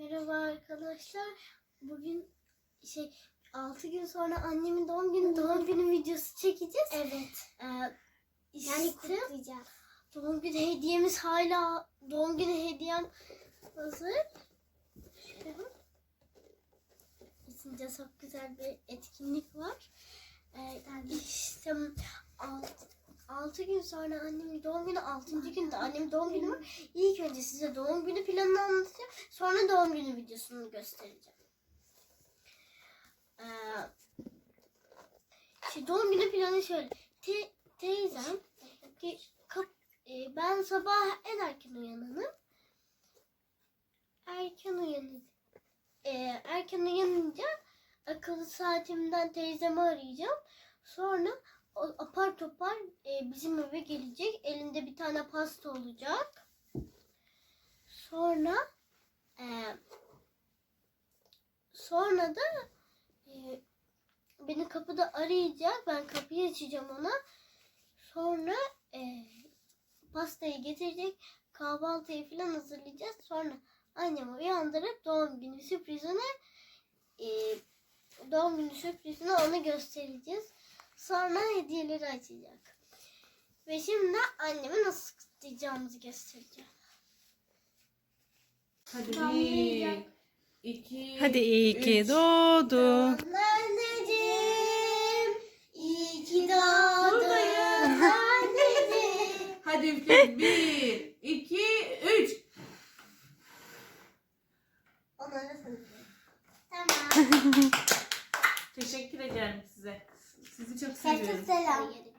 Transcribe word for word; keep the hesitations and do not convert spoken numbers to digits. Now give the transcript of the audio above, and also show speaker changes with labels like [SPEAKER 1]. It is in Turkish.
[SPEAKER 1] Merhaba arkadaşlar. Bugün şey altı gün sonra annemin doğum günü doğum günü videosu çekeceğiz.
[SPEAKER 2] Evet.
[SPEAKER 1] Ee,
[SPEAKER 2] Yani kutlayacağız.
[SPEAKER 1] Doğum günü hediyemiz hala doğum günü hediyem hazır. İçinde çok güzel bir etkinlik var. Ee, işte altı gün sonra annemin doğum günü, altıncı günde annemin doğum günü var. İlk önce size doğum günü planını anlatacağım. Sonra doğum günü videosunu göstereceğim. Ee, işte doğum günü planı şöyle. Te, teyzem te, kap, e, ben sabah en erken uyananım. Erken uyanınca e, erken uyanınca akıllı saatimden teyzemi arayacağım. Sonra o apar topar e, bizim eve gelecek. Elinde bir tane pasta olacak. Sonra e, sonra da e, beni kapıda arayacak. Ben kapıyı açacağım ona. Sonra e, pastayı getirecek. Kahvaltıyı falan hazırlayacağız. Sonra annemi uyandırıp doğum günü sürprizini e, doğum günü sürprizini ona göstereceğiz. Sonra hediyeleri açacak. Ve şimdi anneme nasıl kutlayacağımızı göstereceğim.
[SPEAKER 3] Hadi bir, iki,
[SPEAKER 4] Hadi iyi ki
[SPEAKER 3] üç.
[SPEAKER 4] doğdun.
[SPEAKER 1] Anneciğim, iyi ki doğdun.
[SPEAKER 3] Buradayım.
[SPEAKER 1] Anneciğim.
[SPEAKER 3] Hadi üfle. Bir, iki, üç.
[SPEAKER 1] Onlara sanıyorum. Tamam.
[SPEAKER 3] Teşekkür ederim size. Sizi çok
[SPEAKER 1] Herkese
[SPEAKER 3] seviyorum.
[SPEAKER 1] selam.